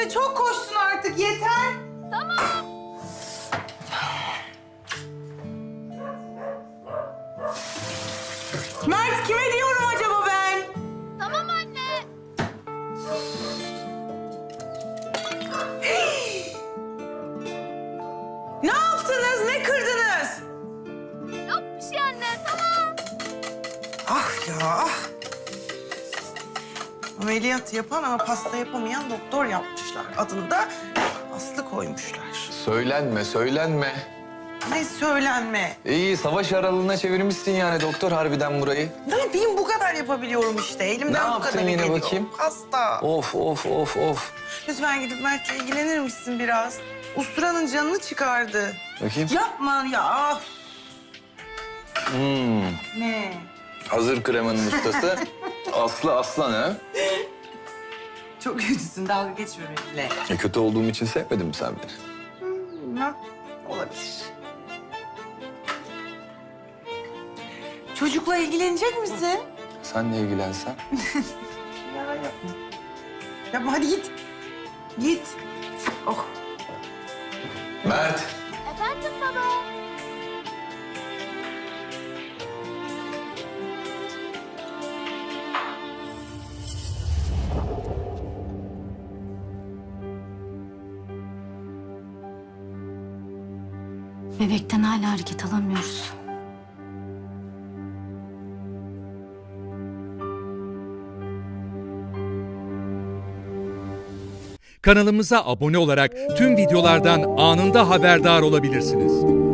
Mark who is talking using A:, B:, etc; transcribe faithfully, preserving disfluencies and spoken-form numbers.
A: Anne çok koştun artık yeter.
B: Tamam.
A: Mert kime diyorum acaba ben?
B: Tamam anne.
A: Ne yaptınız? Ne kırdınız?
B: Yok bir şey anne, tamam.
A: Ah ya ah. Ameliyat yapan ama pasta yapamayan doktor yapmışlar. Adını da Aslı koymuşlar.
C: Söylenme, söylenme.
A: Ne söylenme.
C: İyi, savaş aralığına çevirmişsin yani doktor harbiden burayı.
A: Ne yapayım bu kadar yapabiliyorum işte. Elimden
C: Ne
A: bu
C: yaptın
A: kadarı
C: yine
A: geliyor.
C: bakayım?
A: Hasta.
C: Of, of, of, of.
A: Lütfen gidip Mert'le ilgilenir misin biraz? Usturanın canını çıkardı.
C: Bakayım.
A: Yapma ya. ah.
C: Hmm.
A: Ne?
C: Hazır kremanın ustası. Aslı Aslan ha?
A: Çok kötüsün. Dalga geçme benimle.
C: E, kötü olduğum için sevmedin mi sen beni?
A: Bilmem. Olabilir. Çocukla ilgilenecek misin?
C: Senle ilgilensen.
A: Ya yapma. Yapma hadi git. Git. Oh.
C: Mert.
B: Efendim baba.
D: Bebekten hala hareket alamıyoruz.
E: Kanalımıza abone olarak tüm videolardan anında haberdar olabilirsiniz.